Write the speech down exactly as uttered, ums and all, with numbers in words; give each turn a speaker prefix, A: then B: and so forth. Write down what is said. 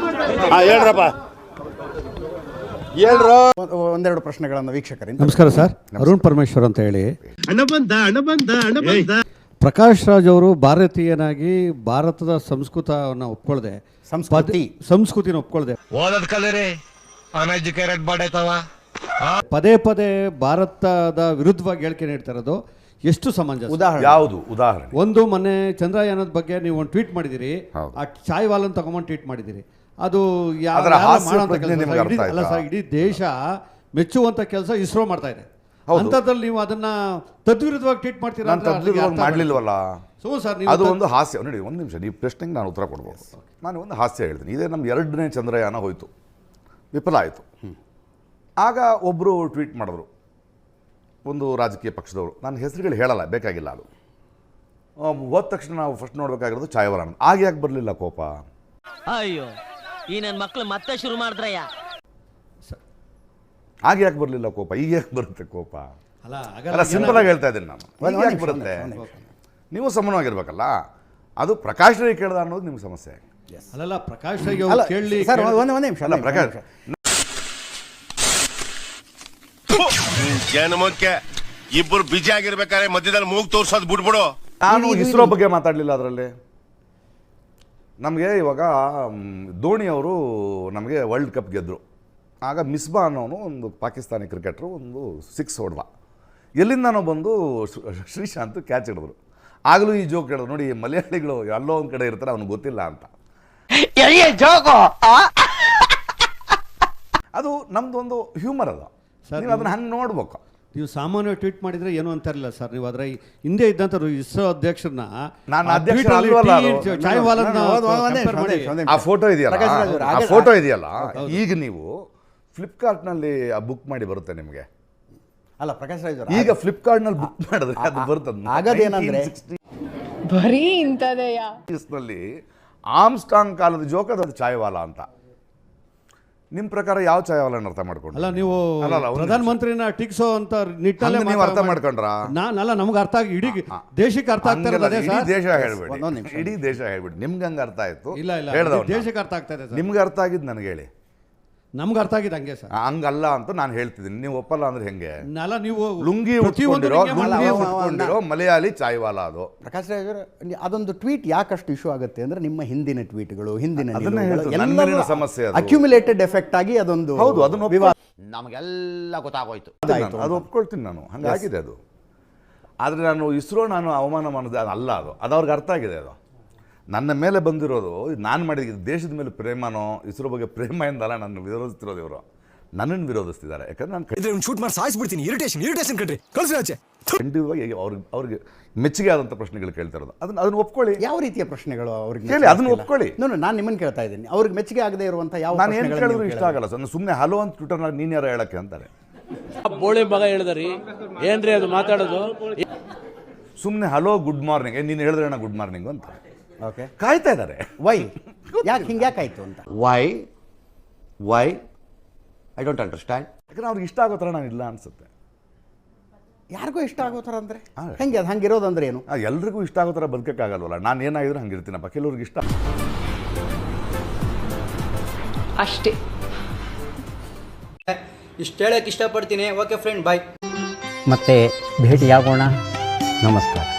A: ಹೇಳ್ರಪ್ಪ ಹೇಳ್ರು ಒಂದೆರಡು ಪ್ರಶ್ನೆಗಳನ್ನು ವೀಕ್ಷಕರಿಂದ.
B: ನಮಸ್ಕಾರ ಸರ್, ಅರುಣ್ ಪರಮೇಶ್ವರ್ ಅಂತ ಹೇಳಿ. ಪ್ರಕಾಶ್ ರಾಜ್ ಅವರು ಭಾರತೀಯನಾಗಿ ಭಾರತದ ಸಂಸ್ಕೃತವನ್ನು ಒಪ್ಕೊಳ್ದೆ,
A: ಸಂಸ್ಕೃತಿ
B: ಸಂಸ್ಕೃತಿನ ಒಪ್ಕೊಳ್ದೆ
C: ಓದದ್ ಕಲರಿ ಅನ್ಎಜುಕೇಟೆಡ್ ಬಾಡೈತವ
B: ಪದೇ ಪದೇ ಭಾರತದ ವಿರುದ್ಧವಾಗಿ ಹೇಳಿಕೆ ನೀಡ್ತಾ ಇರೋದು ಎಷ್ಟು ಸಮಂಜಸ?
A: ಉದಾಹರಣೆ
D: ಯಾವುದು ಉದಾಹರಣೆ?
B: ಒಂದು ಮೊನ್ನೆ ಚಂದ್ರಯಾನದ ಬಗ್ಗೆ ನೀವು ಒಂದು ಟ್ವೀಟ್ ಮಾಡಿದಿರಿ, ಆ ಚಾಯ್ ವಾಲನ್ ತಗೊಂಡು ಟ್ವೀಟ್ ಮಾಡಿದಿರಿ. ಅದು ಅಲ್ಲ ಸರ್, ಇಡೀ ದೇಶ ಮೆಚ್ಚುವಂತ ಕೆಲಸ ಇಸ್ರೋ ಮಾಡ್ತಾ ಇದೆ. ಅಂತದ್ರಲ್ಲಿ ನೀವು ಅದನ್ನ ತದ್ವಿರುದ್ಧವಾಗಿ ಟ್ವೀಟ್ ಮಾಡ್ತೀರಾ?
D: ಮಾಡ್ಲಿಲ್ವಲ್ಲ.
B: ಸೊ ಸರ್,
D: ಅದು ಒಂದು ಹಾಸ್ಯ. ನೋಡಿ, ಒಂದು ನಿಮಿಷ, ನೀವು ಪ್ರಶ್ನೆಗೆ ನಾನು ಉತ್ತರ ಕೊಡ್ಬೋದು. ನಾನು ಒಂದು ಹಾಸ್ಯ ಹೇಳ್ತೀನಿ. ಇದೇ ನಮ್ಮ ಎರಡನೇ ಚಂದ್ರಯಾನ ಹೋಯಿತು, ವಿಫಲ ಆಯಿತು. ಆಗ ಒಬ್ಬರು ಟ್ವೀಟ್ ಮಾಡಿದ್ರು, ಒಂದು ರಾಜಕೀಯ ಪಕ್ಷದವರು, ನಾನು ಹೆಸರುಗಳು ಹೇಳಲ್ಲ, ಬೇಕಾಗಿಲ್ಲ. ಅದು ಹೋದ ತಕ್ಷಣ ನಾವು ಫಸ್ಟ್ ನೋಡಬೇಕಾಗಿರೋದು ಚಾಯವರಣ. ಆಗ ಯಾಕೆ ಬರಲಿಲ್ಲ ಕೋಪ?
E: ಅಯ್ಯೋ, ಈ ನನ್ನ ಮಕ್ಕಳು ಮತ್ತೆ ಶುರು ಮಾಡಿದ್ರಯ್ಯ.
D: ಆಗ ಯಾಕೆ ಬರಲಿಲ್ಲ ಕೋಪ? ಈಗ ಯಾಕೆ ಬರುತ್ತೆ ಕೋಪ? ಅಲ್ಲ, ಸಿಂಪಲ್ ಆಗಿ ಹೇಳ್ತಾ ಇದ್ದೀನಿ ನಾನು. ಯಾಕೆ ಬರುತ್ತೆ? ನೀವು ಸಮಾನವಾಗಿರ್ಬೇಕಲ್ಲ. ಅದು ಪ್ರಕಾಶ್ ರೈ ಕೇಳ್ದ ಅನ್ನೋದು ನಿಮ್ಗೆ ಸಮಸ್ಯೆ.
B: ಅಲ್ಲ, ಪ್ರಕಾಶ್ ರೈ ಕೇಳಿ
A: ಒಂದೇ ನಿಮಿಷ ಅಲ್ಲ, ಪ್ರಕಾಶ್
C: ಜನಮಕ್ಕೆ ಇಬ್ಬರು ಬಿಜಿ ಆಗಿರ್ಬೇಕಾದ್ರೆ ಮಧ್ಯದಲ್ಲಿ ಮೂಗ್ ತೋರ್ಸೋದು ಬಿಡ್ಬಿಡು.
D: ನಾನು ಇಸ್ರೋ ಬಗ್ಗೆ ಮಾತಾಡಲಿಲ್ಲ. ಅದರಲ್ಲಿ ನಮಗೆ ಇವಾಗ ಧೋನಿ ಅವರು ನಮಗೆ ವರ್ಲ್ಡ್ ಕಪ್ ಗೆದ್ದರು. ಆಗ ಮಿಸ್ಬಾ ಅನ್ನೋನು ಒಂದು ಪಾಕಿಸ್ತಾನಿ ಕ್ರಿಕೆಟ್ರು ಒಂದು ಸಿಕ್ಸ್ ಹೊಡೆದ. ಎಲ್ಲಿಂದನೋ ಬಂದು ಶ್ರೀಶಾಂತ್ ಕ್ಯಾಚ್ ಹಿಡಿದ್ರು. ಆಗಲೂ ಈ ಜೋಕ್ ಹೇಳಿದ್ರು, ನೋಡಿ ಮಲಯಾಳಿಗಳು ಎಲ್ಲೋ ಒಂದು ಕಡೆ ಇರ್ತಾರೆ, ಅವ್ನಿಗೆ ಗೊತ್ತಿಲ್ಲ ಅಂತ. ಅದು ನಮ್ದೊಂದು ಹ್ಯೂಮರ್. ಅದು ನೀವು ಅದನ್ನ ಹಂಗೆ ನೋಡ್ಬೇಕು.
B: ನೀವು ಸಾಮಾನ್ಯ ಟ್ವೀಟ್ ಮಾಡಿದ್ರೆ ಏನು ಅಂತಾರಿಲ್ಲ ಸರ್. ನೀವು ಅದರ ಹಿಂದೆ ಇದ್ದಂತ ಇಸ್ರೋ ಅಧ್ಯಕ್ಷರನ್ನ
D: ನಾನು ಅಧ್ಯಕ್ಷ ಆ ಫೋಟೋ ಇದೆಯಲ್ಲ, ಆ ಫೋಟೋ ಇದೆಯಲ್ಲ, ಈಗ ನೀವು ಫ್ಲಿಪ್ಕಾರ್ಟ್ ನಲ್ಲಿ ಬುಕ್ ಮಾಡಿ ಬರುತ್ತೆ ನಿಮಗೆ.
A: ಅಲ್ಲ ಪ್ರಕಾಶ್ ರಾಜ್,
D: ಈಗ ಫ್ಲಿಪ್ಕಾರ್ಟ್ ನಲ್ಲಿ ಬುಕ್ ಮಾಡಿದ್ರೆ ಅದು ಬರ್ತದೆ.
A: ಆಗದೇನಂದ್ರೆ
F: ಬರೀ ಇಂಥದೆಯಾ
D: ನಲ್ಲಿ ಆಮ್ಸ್ಟಾಂಗ್ ಕಾಲದ ಜೋಕ್ ಅದು ಚಾಯ್ವಾಲ ಅಂತ. ನಿಮ್ ಪ್ರಕಾರ ಯಾವ ಚಾಯ್ವಾಲ ಅರ್ಥ ಮಾಡ್ಕೊಂಡು?
B: ಅಲ್ಲ, ನೀವು ಪ್ರಧಾನಮಂತ್ರಿನ ಟಿಕ್ಸೋ ಅಂತ ನಿಟ್ಟಲ್ಲಿ
D: ನೀವು ಅರ್ಥ ಮಾಡ್ಕೊಂಡ್ರ?
B: ನಾನಲ್ಲ, ನಮ್ಗೆ ಅರ್ಥ ಆಗಿ ಇಡೀ ದೇಶಕ್ಕೆ ಅರ್ಥ ಆಗ್ತಾ ಇರೋದು ಅದೇ ಸರ್.
D: ದೇಶ ಹೇಳ್ಬೇಡಿ, ಇಡೀ ದೇಶ ಹೇಳ್ಬಿಡಿ. ನಿಮ್ಗೆ ಹಂಗ ಅರ್ಥ ಆಯ್ತು?
B: ಇಲ್ಲ ಇಲ್ಲ, ದೇಶಕ್ಕೆ ಅರ್ಥ ಆಗ್ತಾ ಇದೆ.
D: ನಿಮ್ಗೆ ಅರ್ಥ ಆಗಿದ್ದು ನನಗೆ ಹೇಳಿ.
B: ನಮ್ಗೆ ಅರ್ಥ ಆಗಿದೆ ಹಂಗೆ ಸರ್.
D: ಹಂಗಲ್ಲ ಅಂತ ನಾನು ಹೇಳ್ತಿದ್ದೀನಿ. ನೀವು ಒಪ್ಪಲ್ಲ ಅಂದ್ರೆ ಹೆಂಗೆ?
B: ಅಲ್ಲ, ನೀವು
D: ಲುಂಗಿ ಉಟ್ಕೊಂಡಿರೋ ಲುಂಗಿ ಉಟ್ಕೊಂಡಿರೋ ಮಲಯಾಳಿ ಚಾಯ್ವಾಲ ಅದು.
A: ಪ್ರಕಾಶ್ ರಾಜ್ ಅದೊಂದು ಟ್ವೀಟ್ ಯಾಕಷ್ಟು ಇಶ್ಯೂ ಆಗುತ್ತೆ ಅಂದ್ರೆ ನಿಮ್ಮ ಹಿಂದಿನ ಟ್ವೀಟ್ಗಳು, ಹಿಂದಿನ
D: ಸಮಸ್ಯೆ,
A: ಅಕ್ಯುಮುಲೇಟೆಡ್ ಎಫೆಕ್ಟ್ ಆಗಿ ಅದೊಂದು.
D: ಹೌದು, ಅದನ್ನು ವಿವಾದ
E: ನಮಗೆಲ್ಲ ಗೊತ್ತಾಗೋಯ್ತು.
D: ಅದು ಒಪ್ಕೊಳ್ತೀನಿ ನಾನು, ಹಂಗಾಗಿದೆ ಅದು. ಆದರೆ ನಾನು ಇಸ್ರೋ ನಾನು ಅವಮಾನ ಮಾಡೋದು ಅಲ್ಲ. ಅದು ಅದು ಅವ್ರಿಗೆ ಅರ್ಥ ಆಗಿದೆ. ಅದು ನನ್ನ ಮೇಲೆ ಬಂದಿರೋದು, ನಾನು ಮಾಡಿದ ದೇಶದ ಮೇಲೆ ಪ್ರೇಮನೋ ಇಸ್ರೋ ಬಗ್ಗೆ ಪ್ರೇಮ ಎಂದಲ್ಲ ನನ್ನ ವಿರೋಧಿಸ್ತಿರೋದು. ಇವರು ನನ್ನನ್ನು ವಿರೋಧಿಸ್ತಿದ್ದಾರೆ. ಯಾಕಂದ್ರೆ ನಾನು
G: ಶೂಟ್ ಮಾಡಿ ಸಾಯಿಸ್ಬಿಡ್ತೀನಿ. ಇರಿಟೇಷನ್ ಇರಿಟೇಷನ್ ಕಣ್ರಿ, ಕಳ್ಸಿ ಆಚೆ.
D: ಖಂಡಿತವಾಗಿ ಅವ್ರಿಗೆ ಅವ್ರಿಗೆ ಮೆಚ್ಚುಗೆ ಆದಂಥ ಪ್ರಶ್ನೆಗಳು ಕೇಳ್ತಾ ಇರೋದು. ಅದನ್ನ ಅದನ್ನ ಒಪ್ಕೊಳ್ಳಿ.
A: ಯಾವ ರೀತಿಯ ಪ್ರಶ್ನೆಗಳು ಅವ್ರಿಗೆ
D: ಕೇಳಿ, ಅದನ್ನ ಒಪ್ಕೊಳ್ಳಿ.
A: ನಾನು ನಾನು ನಿಮ್ಮನ್ನು ಕೇಳ್ತಾ ಇದ್ದೀನಿ, ಅವ್ರಿಗೆ ಮೆಚ್ಚುಗೆ ಆಗದೆ ಇರುವಂಥ ಯಾವ?
D: ನಾನು ಏನು ಕೇಳಿದ್ರು ಇಷ್ಟ ಆಗಲ್ಲ ಸರ್. ಸುಮ್ಮನೆ ಹಲೋ ಅಂತ ಟ್ವಿಟರ್ನಾಗ ನೀನು ಯಾರು ಹೇಳಕ್ಕೆ ಅಂತಾರೆ.
H: ಬೋಳಿ ಮಗ ಹೇಳಿದ್ರಿ ಏನ್ರಿ ಅದು ಮಾತಾಡೋದು?
D: ಸುಮ್ಮನೆ ಹಲೋ ಗುಡ್ ಮಾರ್ನಿಂಗ್, ನೀನು ಹೇಳಿದ್ರೆ ನಾ ಗುಡ್ ಮಾರ್ನಿಂಗ್ ಅಂತ.
A: ಓಕೆ,
D: ಕಾಯ್ತಾ ಇದ್ದಾರೆ.
A: ವೈ ಯಾಕೆ ಹಿಂಗೆ ಯಾಕಾಯ್ತು ಅಂತ?
E: Why why I don't understand.
D: ಯಾಕಂದ್ರೆ ಅವ್ರಿಗೆ ಇಷ್ಟ ಆಗೋ ಥರ ನಾನು ಇಲ್ಲ ಅನ್ಸುತ್ತೆ.
A: ಯಾರಿಗೂ ಇಷ್ಟ ಆಗೋ ಥರ ಅಂದರೆ ಹೆಂಗೆ? ಅದು ಹಂಗಿರೋದಂದ್ರೆ ಏನು?
D: ಎಲ್ರಿಗೂ ಇಷ್ಟ ಆಗೋ ಥರ ಬದುಕಕ್ಕಾಗಲ್ವಲ್ಲ. ನಾನು ಏನಾಗಿದ್ರು ಹಂಗಿರ್ತೀನಪ್ಪ. ಕೆಲವ್ರಿಗೆ ಇಷ್ಟ
F: ಅಷ್ಟೇ.
I: ಇಷ್ಟು ಹೇಳಕ್ಕೆ ಇಷ್ಟಪಡ್ತೀನಿ. Okay friend, bye.
J: ಮತ್ತೆ ಭೇಟಿಯಾಗೋಣ. ನಮಸ್ಕಾರ.